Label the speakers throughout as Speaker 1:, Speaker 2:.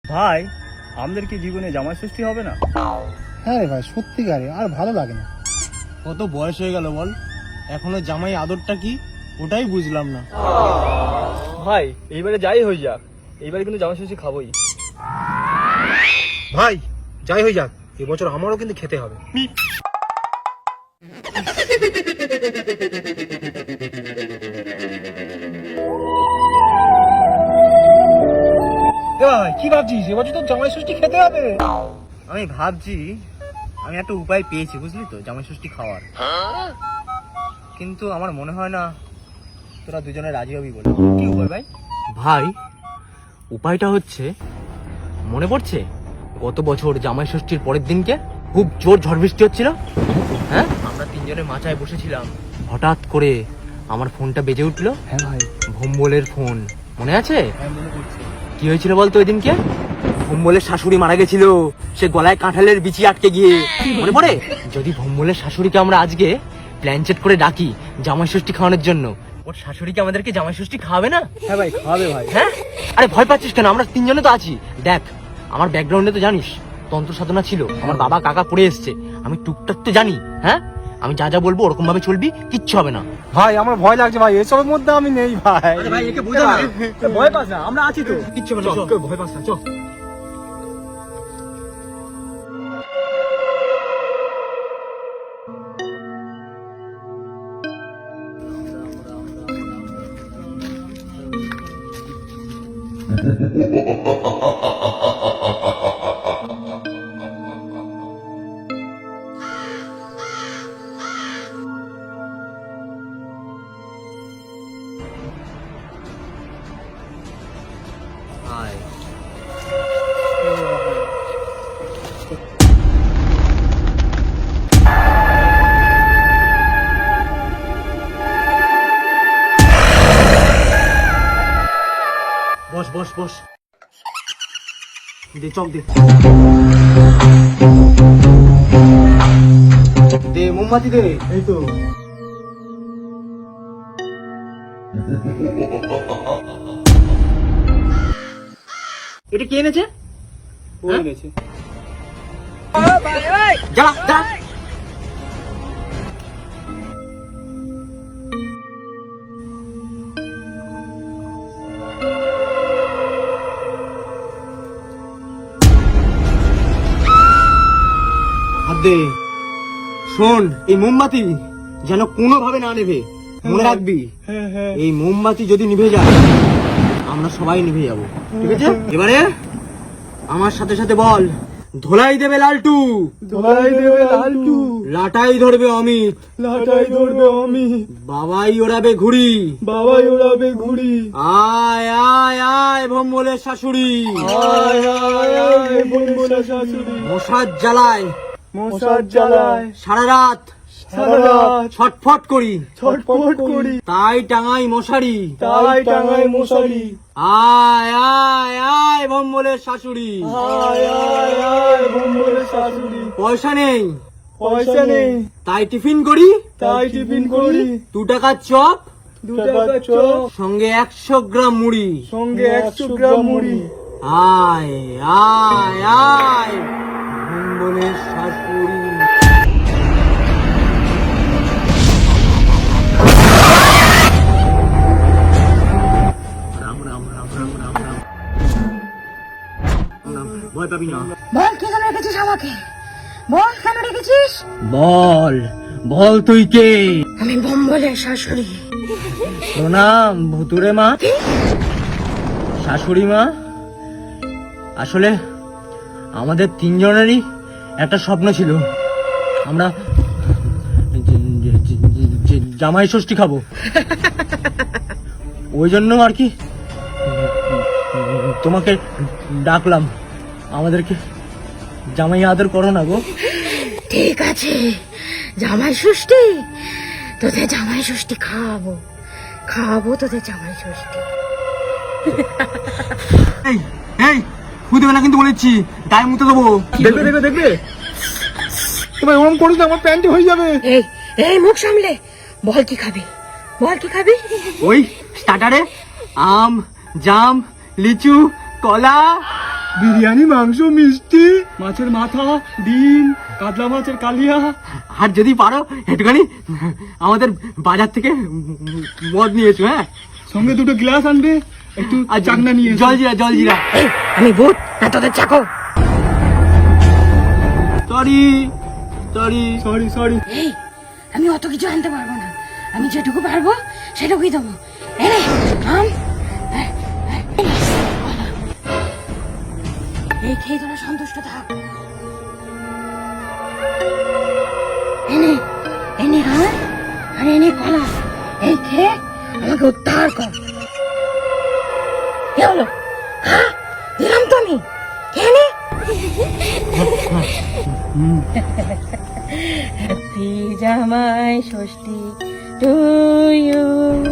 Speaker 1: ভাই, আমাদের কি জীবনে জামাই ষষ্ঠী হবে না?
Speaker 2: হ্যাঁ রে ভাই, সত্যিকারে আর ভালো লাগে না।
Speaker 3: কত বয়স হয়ে গেল বল, এখনো জামাই আদরটা কি ওটাই বুঝলাম না।
Speaker 1: ভাই, এইবারে যাই হয়ে যাক, এইবারে কিন্তু জামাই ষষ্ঠী খাবোই।
Speaker 2: ভাই যাই হয়ে যাক, এবছর আমারও কিন্তু খেতে হবে। ভাই কি ভাবছিস, এবছর তো জামাই ষষ্ঠী খেতে হবে।
Speaker 3: আমি ভাবছি আমি একটা উপায় পেয়েছি, বুঝলি তো, জামাই ষষ্ঠী খাওয়ার। কিন্তু আমার মনে হয় না তোরা দুজনে রাজি হবি বলে।
Speaker 1: কি উপায় ভাই?
Speaker 4: ভাই, উপায়টা হচ্ছে, মনে পড়ছে গত বছর জামাই ষষ্ঠীর পরের দিনকে খুব জোর ঝড় বৃষ্টি হচ্ছিল, হ্যাঁ, আমরা তিনজনে মাচায় বসেছিলাম, হঠাৎ করে আমার ফোনটা বেজে উঠলো।
Speaker 1: হ্যাঁ ভাই,
Speaker 4: ভোম্বলের ফোন, মনে আছে?
Speaker 1: হ্যাঁ মনে পড়ছে।
Speaker 4: কি হয়েছিল বলতো ওই দিনকে? ভোম্বলের শাশুড়ি মারা গেছিল, সে গলায় কাঁঠালের বিচি আটকে গিয়ে। মনে পড়ে? যদি ভোম্বলের শাশুড়িকে আমরা আজকে প্ল্যানচেট করে ডাকি জামাই ষষ্ঠী খাওয়ানোর জন্য, ওর শাশুড়িকে আমাদেরকে জামাই ষষ্ঠী খাওয়াবে না?
Speaker 1: হ্যাঁ ভাই, খাওয়াবে ভাই।
Speaker 4: হ্যাঁ, আরে ভয় পাচ্ছিস কেন? আমরা তিনজনে তো আছি। দেখ, আমার ব্যাকগ্রাউন্ডে তো জানিস তন্ত্র সাধনা ছিল, আমার বাবা কাকা পড়ে এসছে, আমি টুকটাক তো জানি। হ্যাঁ, আমি যা যা বলবো ওরকম ভাবে চলবি, কিচ্ছু হবে না।
Speaker 2: ভাই আমার ভয় লাগছে ভাই, এসবের মধ্যে আমি নেই ভাই।
Speaker 4: ভাই, একে বুঝা না,
Speaker 2: ভয় পাস না, আমরা আছি তো।
Speaker 4: কিচ্ছু হবে না,
Speaker 2: ভয় পাস না, চল।
Speaker 4: আয়। বস বস বস, দে চক দে, দে মোমবাতি দে।
Speaker 2: এই তো
Speaker 4: এটা কে এনেছে?
Speaker 2: ও এনেছে।
Speaker 4: জ্বালা জ্বালা। হাত দে। শোন, এই মোমবাতি যেন কোনোভাবে না নেভে, মনে রাখবি। এই মোমবাতি যদি নিভে যায় আমরা সবাই নিভে যাব, ঠিক আছে? এবারে আমার সাথে সাথে বল, ধোলাই দেবে লালটু,
Speaker 2: ধোলাই দেবে লালটু,
Speaker 4: লাটাই ধরবে অমিত,
Speaker 2: লাটাই ধরবে আমি,
Speaker 4: বাবাই ওড়াবে ঘুড়ি,
Speaker 2: বাবাই ওড়াবে ঘুড়ি।
Speaker 4: আয় আয় আয় ভোম্বলের শাশুড়ি,
Speaker 2: আয় আয় আয় ভোম্বলের শাশুড়ি,
Speaker 4: মশার জ্বালায়
Speaker 2: মশার জ্বালায়
Speaker 4: সারা রাত
Speaker 2: সারা রাত
Speaker 4: ছটফট করি,
Speaker 2: ছটফট করি,
Speaker 4: তাই টাঙাই মশারি,
Speaker 2: তাই টাঙায় মশারি।
Speaker 4: আয় আয় আয় ভোম্বলের শাশুড়ি,
Speaker 2: আয় আয় আয় ভোম্বলের শাশুড়ি।
Speaker 4: পয়সা নেই
Speaker 2: পয়সা নেই,
Speaker 4: তাই টিফিন করি,
Speaker 2: তাই টিফিন করি,
Speaker 4: 2 টাকার চপ
Speaker 2: 2 টাকার চপ,
Speaker 4: সঙ্গে 100 গ্রাম মুড়ি,
Speaker 2: সঙ্গে 100 গ্রাম মুড়ি।
Speaker 4: আয় আয় আয় ভোম্বলের শাশুড়ি। রাম রাম রাম রাম রাম রাম। ভয় পাবি না।
Speaker 5: বল কি কেন রেখেছিস আমাকে? বল কেন রেখেছিস?
Speaker 4: বল বল, তুই কে?
Speaker 5: আমি ভোম্বলের শাশুড়ি।
Speaker 4: প্রণাম ভুতুরে মা, শাশুড়ি মা। আসলে আমাদের তিনজনেরই একটা স্বপ্ন ছিল, আমরা জামাই ষষ্ঠী খাবো। ওই জন্য আর কি তোমাকে ডাকলাম, আমাদেরকে জামাই আদর করো না গো।
Speaker 5: ঠিক আছে, জামাই ষষ্ঠী, তোদের জামাই ষষ্ঠী খাওয়াবো, খাওয়াবো তোদের জামাই ষষ্ঠী।
Speaker 4: এই এই, ফু দেবে না কিন্তু বলেছি, গায়ে মুতে দেবো।
Speaker 2: দেখবে দেখবে দেখবে, তোমার ওরম করিস না, আমার প্যান্ট হয়ে যাবে।
Speaker 5: এই এই মুখ সামলে বল, কি খাবি? বল কি খাবি?
Speaker 4: ওই স্টার্টারে আম, জাম, লিচু, কলা
Speaker 2: বিরিয়ানি, মাংস, মিষ্টি।
Speaker 1: মাছের মাথা, ডিম, কাতলা মাছের কালিয়া।
Speaker 4: আর যদি পারো একটুখানি আমাদের বাজার থেকে মদ নিয়ে এসো, হ্যাঁ?
Speaker 2: সঙ্গে দুটো গ্লাস আনবে, একটু
Speaker 4: আর
Speaker 2: চাকনা নিয়ে এসো।
Speaker 4: জলজিরা, জলজিরা।
Speaker 5: এই, আমি ভূত না তোদের চাকর?
Speaker 4: Sorry, sorry.
Speaker 2: Sorry sorry.
Speaker 5: এই, আমি অত কিছু আনতে পারবো না, আমি যেটুকু পারবো সেটুকুই দেবো। এনে আম, কলা। এই খেয়ে তোরা সন্তুষ্ট থাক। এনে এনে আম আর এনে কলা, এই খেয়ে আমাকে উদ্ধার কর। কি হলো? হ্যাঁ, দিলাম তো আমি, খেয়ে নে। Happy Jamai Sashti to you,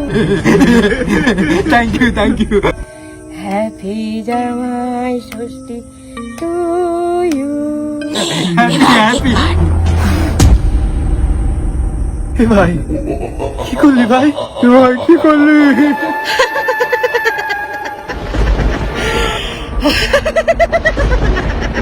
Speaker 4: thank you, thank you.
Speaker 5: Happy Jamai Sashti to you.
Speaker 4: Happy.
Speaker 2: এ ভাই, কি করলি ভাই? এ ভাই, কি করলি?